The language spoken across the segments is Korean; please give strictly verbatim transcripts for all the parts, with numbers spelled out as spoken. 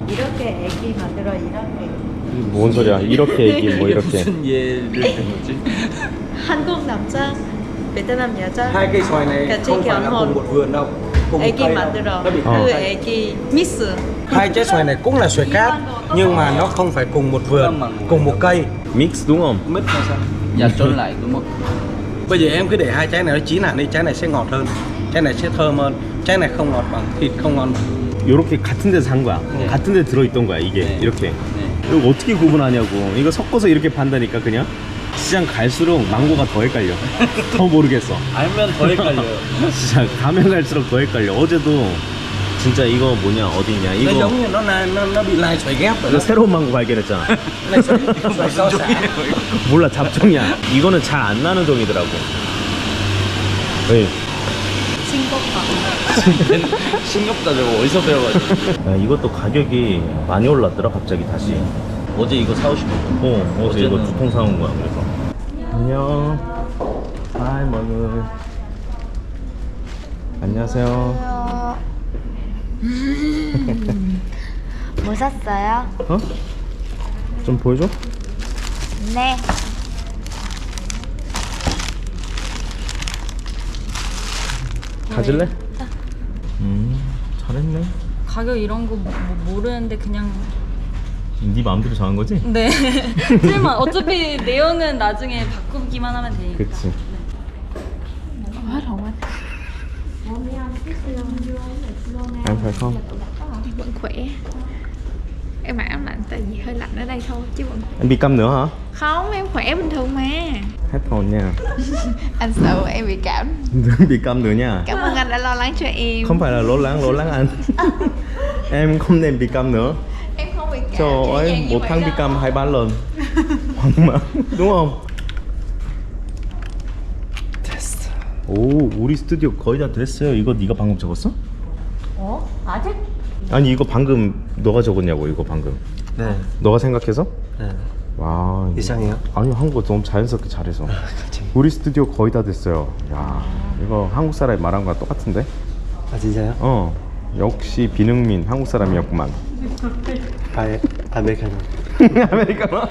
이렇게 애기 만들어 이렇게. 뭔 소리야? 이렇게 얘기 뭐 이렇게. 무슨 예를 든 거지? 한국 남자, 베트남 여자. Hai cây xoài này 같이 không phải là cùng 결혼. một vườn đâu, cùng một 애기 cây đâu. 만들어. Nó bị Ờ. 그 khác. 애기 미스. Hai trái xoài này cũng là xoài cát nhưng mà nó không phải cùng một vườn, cùng một cây. 믹스 đúng không? Mít là sao? Dạ trộn lại đúng không? Bây giờ em cứ để hai trái này nó chín hẳn đi, trái này sẽ ngọt hơn, trái này sẽ thơm hơn, trái này không ngọt bằng, thịt không ngon bằng. 요렇게 같은 데서 산 거야. 네. 같은 데 들어있던 거야 이게. 네. 이렇게. 네. 이거 어떻게 구분하냐고. 이거 섞어서 이렇게 판다니까 그냥. 시장 갈수록 망고가 더 헷갈려. 더 모르겠어. 알면 더 헷갈려요. 진짜 가면 갈수록 더 헷갈려. 어제도 진짜 이거 뭐냐 어디냐 Nó 이거 giống như nó là- nó nó bị lai xoài ghép rồi 이거 đó. 새로운 망고 발견했잖아. Lai xoài, xoài sao xả. 몰라 잡종이야. 이거는 잘 안 나는 종이더라고. 네. 싱겁다. 싱겁다 저거 어디서 배워가지고. 야, 이것도 가격이 많이 올랐더라 갑자기 다시. 어제 이거 사오신 거. 어 어제 이거 어제는- 두 통 사온 거야 그래서. 안녕. 하이 머글. 안녕하세요. 뭐 샀어요? 어? 좀 보여줘? 네. 가질래? 음 잘했네. 가격 이런 거 뭐, 뭐 모르는데 그냥 네 마음대로 정한 거지? 네 틀만 어차피 내용은 나중에 바꾸기만 하면 되니까. 그치. Hết hồn anh. Em phải không? Vẫn khỏe. Em mặc áo lạnh tại vì hơi lạnh ở đây thôi chứ vẫn Em bị câm nữa hả? không, em khỏe bình thường mà. Hết hồn nha. Anh sợ em bị cảm. Đừng bị câm nữa nha. Cảm ơn anh đã lo lắng cho em. Không phải là lo lắng, lo lắng anh. Em không nên bị câm nữa. Em không bị cảm. Trời dễ ơi, dàng như một vậy tháng bị đâu. câm hai ba lần. Hoang mang, đúng không? 됐어. 오, 우리 스튜디오 거의 다 됐어요. 이거 네가 방금 적었어? 어? 아직? 아니 이거 방금 너가 적었냐고 이거 방금. 네, 너가 생각해서? 네. 와. 이거- 이상해요? 아니 한국어 너무 자연스럽게 잘해서. 우리 스튜디오 거의 다 됐어요. 야, 이거 한국 사람이 말한 거랑 똑같은데? À 진짜요? 어. 역시 비능민 한국 사람이었구만. 아, 아메리카노. 아메리카노.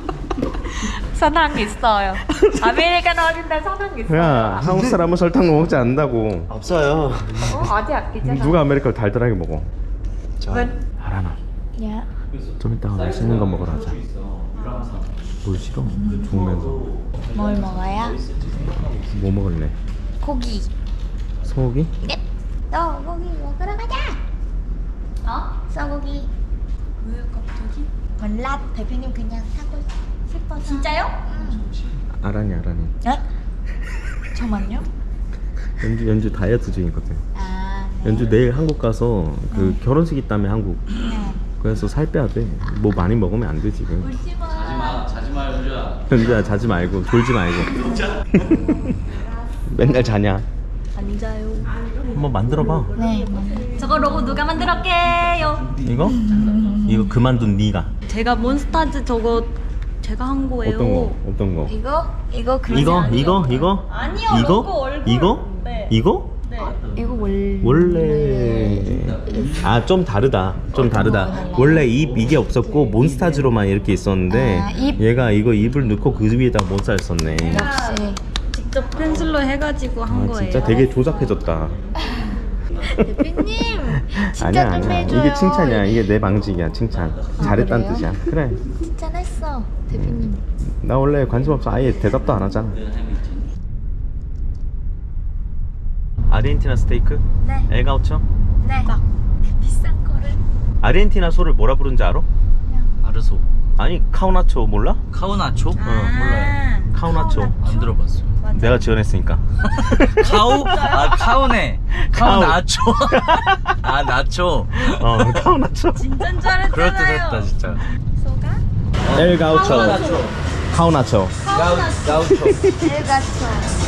설탕 있어요. 아메리카노인데 설탕 있어요. 야, 한국 사람은 설탕 먹지 않는다고. 없어요. 어, 어디 아끼잖아. 누가 아메리카노 달달하게 먹어? 저 하라나. Dạ. 좀 이따가 맛있는 거 먹으러 가자. 뭘 싫어? 죽으면서. 뭘 먹어요? 뭐 먹을래? 고기. 소고기? 네. 너 고기 먹으러 가자. 어? 소고기. 왜 갑자기? 몰라. 대표님 그냥 사고 싶어서. 진짜요? 응. 아란이 아란이. 네? 잠깐만요. 연주 연주 다이어트 중이거든. 아. 네. 연주 내일 한국 가서 그 결혼식 있다며 한국. 네. 그래서 살 빼야 돼. 뭐 많이 먹으면 안 돼 지금. 울지 마. 자지마 자지마 연주야. 연주야 자지 말고 졸지 말고. 맨날 자냐? 안 자요. 한번 만들어봐. 네. 저거 로고 누가 만들었게요? 이거? 이거 그만둔 네가. 제가 몬스타즈 저거 제가 한 거예요. 어떤 거? 어떤 거? 이거 이거 그러지 이거 않아요. 이거 이거? 아니요, 이거? 로고 얼굴. 이거? 네. 이거? 네. 이거 원 원래 아 좀 다르다. 좀 다르다. 원래 입 이게 없었고 몬스타즈로만 이렇게 있었는데 아, 입. 얘가 이거 입을 넣고 그 위에다 몬스타를 썼네. 역시. 직접 펜슬로 해가지고 한 아 거예요. 진짜 되게 조잡해졌다. 대표님 진짜 아니야 좀 아니야. 해줘요. 이게 칭찬이야. 이게 내 방직이야. 칭찬. 잘했다는 그래요? 뜻이야. 그래. 칭찬했어 대표님. 나 원래 관심 없어. 아예 대답도 안 하잖아. 아르헨티나 스테이크? 네. 엘가우처? 네. 막 비싼 거를 아르헨티나 소를 뭐라 부르는지 알아? 아르소. 아니 카우나초 몰라? 카우나초? 어, 몰라요. 카우나초. 안 들어봤어. 내가 지원했으니까. 카우? 아 카우네. 카우나초. 아 나초. 어 카우나초. 진짠 줄 알았잖아요. 그럴 듯했다 진짜. 소가 엘가우처. 카우나초. 가우 가우초. 엘가초.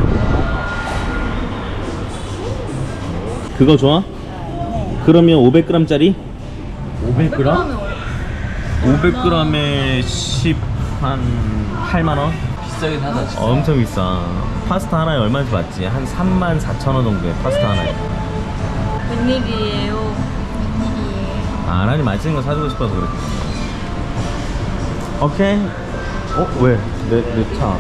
그거 좋아? 그러면 오백 그램짜리? 오백 그램? 오백 그램에 십 한 팔만 원? 비싸긴 하다 진짜. 어, 엄청 비싸. 파스타 하나에 얼마인지 봤지? 한 삼만 사천 원 정도에 파스타 하나에. 웬일이에요? 웬일이에요? 아, 아란이 맛있는 거 사주고 싶어서 그래. 오케이. 어? 왜? 내, 내 차.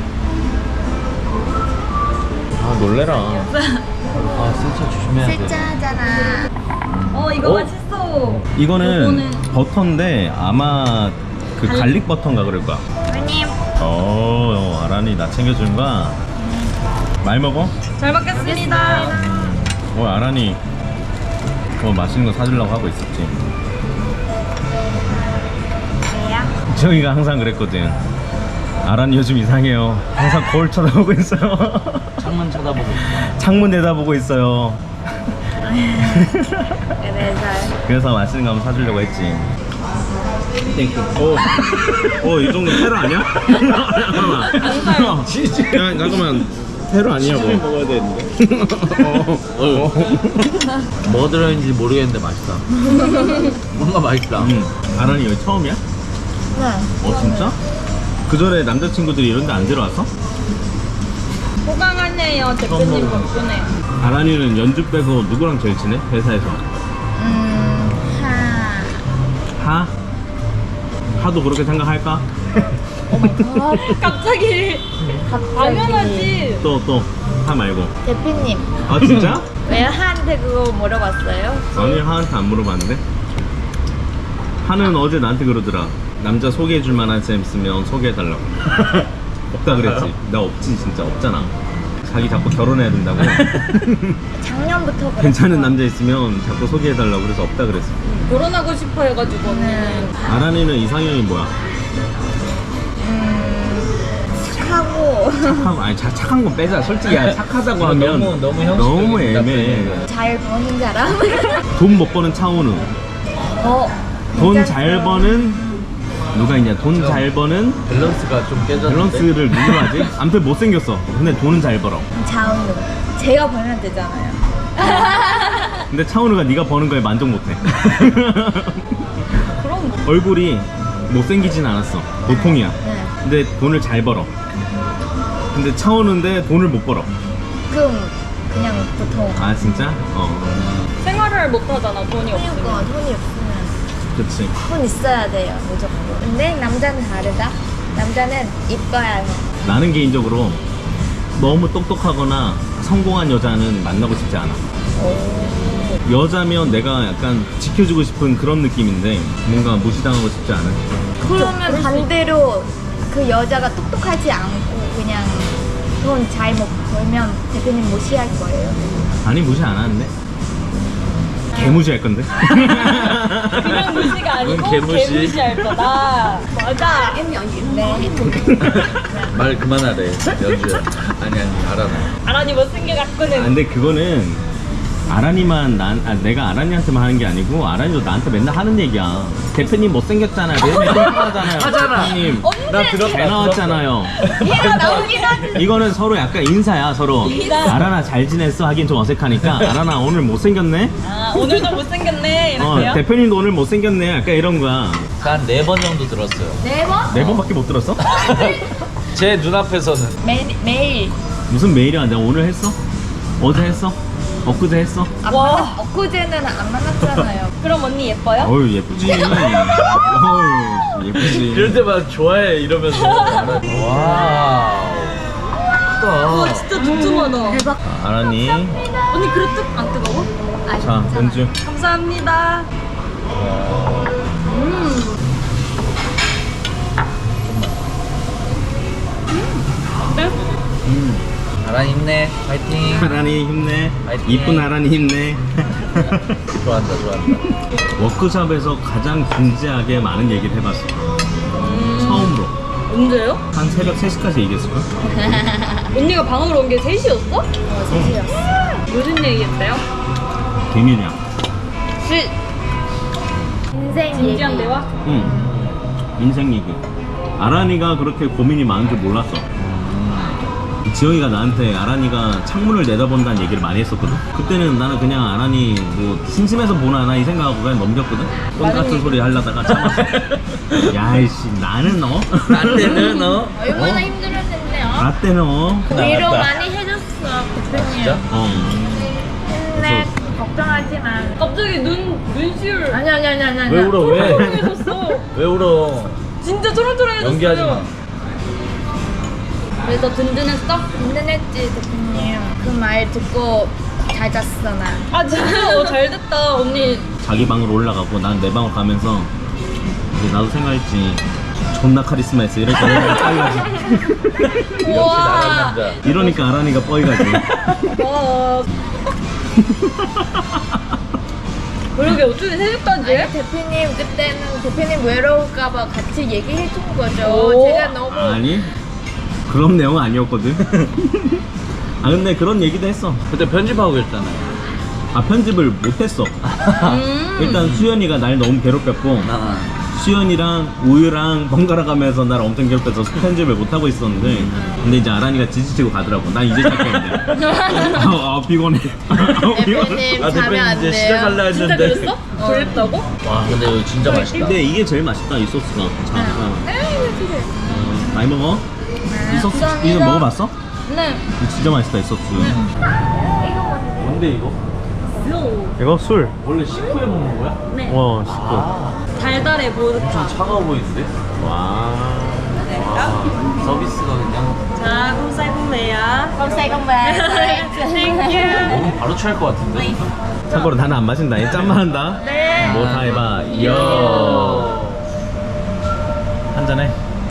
아, 놀래라. 아 진짜 조심해야 돼. 세짜잖아. 어 이거 어? 맛있어. 이거는 요거는- 버터인데 아마 그 갈릭 버터인가 그럴 거야. 어머님. 어, 아란이 나 챙겨주는 거야. 많이 먹어? 잘 먹겠습니다. 어, 아란이 뭐 맛있는 거 사주려고 하고 있었지. 왜요? 지영이가 항상 그랬거든. 아란이 요즘 이상해요. 항상 거울 쳐다보고 있어요. 창문 쳐다보고 있어. 창문 내다보고 있어요. 그래서 그래서 맛있는 거 한번 사주려고 했지. 땡큐. 오, 오, 이 정도 테러 아니야? 잠깐만. 야, 잠깐만. 테러 아니냐고. 먹어야 되는데. 어, 어. 뭐가 들어있는지 모르겠는데 맛있다. 뭔가 맛있다. 음, 아란이 여기 처음이야? 네. 어, 진짜? 그 전에 남자친구들이 이런 데 안 데려왔어? 호강하네요 대표님 덕분에. 아란이는 연주 빼고 누구랑 제일 친해? 회사에서. 음, 하. 하? 하도 그렇게 생각할까? 갑자기 당연하지. 또, 또. 하 말고. 대표님. 아, 진짜? 왜 하한테 그거 물어봤어요? 아니, 하한테 안 물어봤는데? 하는 어제 나한테 그러더라. 남자 소개해줄 만한 쌤 있으면 소개해달라고. 없다 그랬지. 나 없지, 진짜 없잖아. 자기 자꾸 결혼해야 된다고. 작년부터 그랬어. 괜찮은 남자 있으면 자꾸 소개해달라고 그래서 없다 그랬어. 결혼하고 싶어 해가지고 언니는. 아란이는 이상형이 뭐야? 착하고 착하고, 아니 자, 착한 건 빼자. 솔직히 야, 착하다고 하면 너무- 너무 형식적인 너무 애매해. 답변이네. 잘 버는 사람. 돈 못 버는 차은우. 어. 돈 잘 버는 누가 있냐? 돈 잘 버는 밸런스가 좀 깨졌는데. 밸런스를 누구 하지? 아무튼 못생겼어. 근데 돈은 잘 벌어. 자은우. 제가 벌면 되잖아요. 근데 차은우가 네가 버는 거에 만족 못해. 그럼 뭐. 얼굴이 못생기진 않았어. 보통이야. 네. 근데 돈을 잘 벌어. 근데 차은우인데 돈을 못 벌어. 그럼 그냥 보통. 아 진짜? 어. 생활을 못 하잖아 돈이 없으면. 그러니까 돈이 없으면 그치. 돈 있어야 돼요 무조건. 근데 남자는 다르다. 남자는 이뻐야 해. 나는 개인적으로 너무 똑똑하거나 성공한 여자는 만나고 싶지 않아. 여자면 내가 약간 지켜주고 싶은 그런 느낌인데 뭔가 무시당하고 싶지 않아. 그러면 반대로 그 여자가 똑똑하지 않고 그냥 돈 잘 못 벌면 대표님 무시할 거예요. 아니 무시 안 하는데. 개무시할 건데. 그냥 무시가 아니고 개무시. 개무시할 거다. 맞아. 네. 말 그만하래 연주야. 아니 아니 알아. 아란이 못생겨 아, 갖고는. 근데 그거는 아란이만 난 아, 내가 아란이한테만 하는 게 아니고 아란이도 나한테 맨날 하는 얘기야. 대표님 못생겼잖아요. 매일 뚱뚱하잖아요. 하잖아. 대표님 나 들었다. 잘 나왔잖아요. 얘가 나오긴 하지. 이거는 서로 약간 인사야 서로. 아란아 잘 지냈어 하긴 좀 어색하니까 아란아 오늘 못생겼네. 아 오늘도 못생겼네 어 이렇게요? 대표님도 오늘 못생겼네. 약간 이런 거야. 한 네 번 정도 들었어요. 네 번? 네 번밖에 못 들었어? 제 눈앞에서는. 매일 매일. 무슨 메일이야? 내가 오늘 했어? 어제 했어? 엊그제 했어? 안 와. 만났, 엊그제는 안 만났잖아요. 그럼 언니 예뻐요? 어유 예쁘지. 어유 예쁘지. 이럴 때마다 좋아해 이러면서. 와우. 와 크다. 진짜 두툼하다. 대박. 아, 아란이. 언니 그릇 뜨, 안 뜨거워? 아, 자 연주. 감사합니다. 음. 네? 아란 힘내. 파이팅. 아란이 힘내. 화이팅. 이쁜 아란이 힘내. 좋아한다 좋아한다. 워크숍에서 가장 진지하게 많은 얘기를 해봤어. 처음으로. 언제요? 한 새벽 세 시까지 얘기했을걸? 언니가 방으로 온 게 세 시였어? 어, 셋이었어. 무슨 얘기했어요? 비밀이야. 시, 인생 얘기. 진지한 대화? 응. 인생 얘기. 아란이가 그렇게 고민이 많은 줄 몰랐어. 지영이가 나한테 아란이가 창문을 내다본다는 얘기를 많이 했었거든. 그때는 나는 그냥 아란이 뭐 심심해서 보나 나 이 생각하고 그냥 넘겼거든. 똥 같은 소리 하려다가 참았어. 야이씨 나는 어? 나한테는 어? 얼마나 힘들었는데요. 나 때는 어? 위로 많이 해줬어 대표님. 진짜? 어. 힘내. 걱정하지만 갑자기 눈 눈시울. 아니 아니 아니 아니 아니. 왜 울어 왜? 초롱초롱해졌어. 왜 울어? 진짜 초롱초롱해졌어요. 연기하지 마. 그래서 든든했어? 든든했지 대표님. 그 말 듣고 잘 잤어 나. 아 진짜 어, 잘 됐다 언니. 자기 방으로 올라가고 난 내 방으로 가면서 이제 나도 생각했지. 존나 카리스마 있어. 이러니까 내가 뻐이가지. 역시 나란 우와. 남자. 이러니까 아란이가 뻐이가지. 와. 그러게 어쩌면 새벽까지 해? 아니 대표님 그때는 대표님 외로울까봐 같이 얘기해 준 거죠. 오. 제가 너무 아니 그런 내용은 아니었거든. 아 근데 그런 얘기도 했어. 그때 편집하고 있잖아요. 아 편집을 못했어. 음. 일단 수연이가 날 너무 괴롭혔고 나 수연이랑 우유랑 번갈아 가면서 날 엄청 괴롭혀서 편집을 못하고 있었는데 근데 이제 아란이가 지지치고 가더라고. 난 이제 시작했는데 아, 아 피곤해. 아, 피곤해. 대표님 아 자면 대표님 안 이제 돼요. 시작할라 진짜 했는데. 그랬어? 졸립다고? 와 근데 이거 진짜 맛있다. 근데 이게 제일 맛있다 이 소스가. 자, 어. 어, 많이 먹어. 이 소스 감사합니다. 이거 먹어봤어? 네. 이거 진짜 맛있다 이 소스. 뭔데 이거? 이거 술. 원래 식후에 먹는 거야? 네. 와 식구. 달달해 보드카. 차가워 보이는데? 와. 와 서비스가 그냥 자, 홈사이홈메야. Không say không về. 먹으면 바로 취할 것 같은데? 참고로 나는 안 마신다. 얘 짠만 한다. 네. 뭐 다 해봐. 요. 한잔해.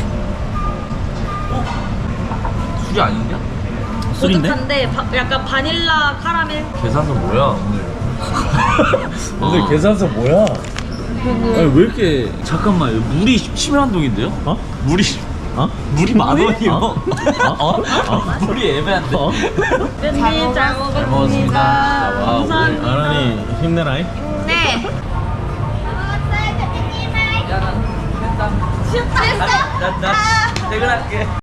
술이 아닌가? 술인데? 보드카인데 바, 약간 바닐라 카라멜. 계산서 뭐야 오늘? 오늘 아. 계산서 뭐야? 아니 왜 이렇게 잠깐만 물이 십칠 한동인데요? 어? 물이 어? 물이 만 원이요? 어? 어? 어? 물이 애매한데? 어? 팬님 잘 잘 먹었습니다. 와 오늘 감사합니다. 아란이 힘내라잉. 네. 나, 나 퇴근할게.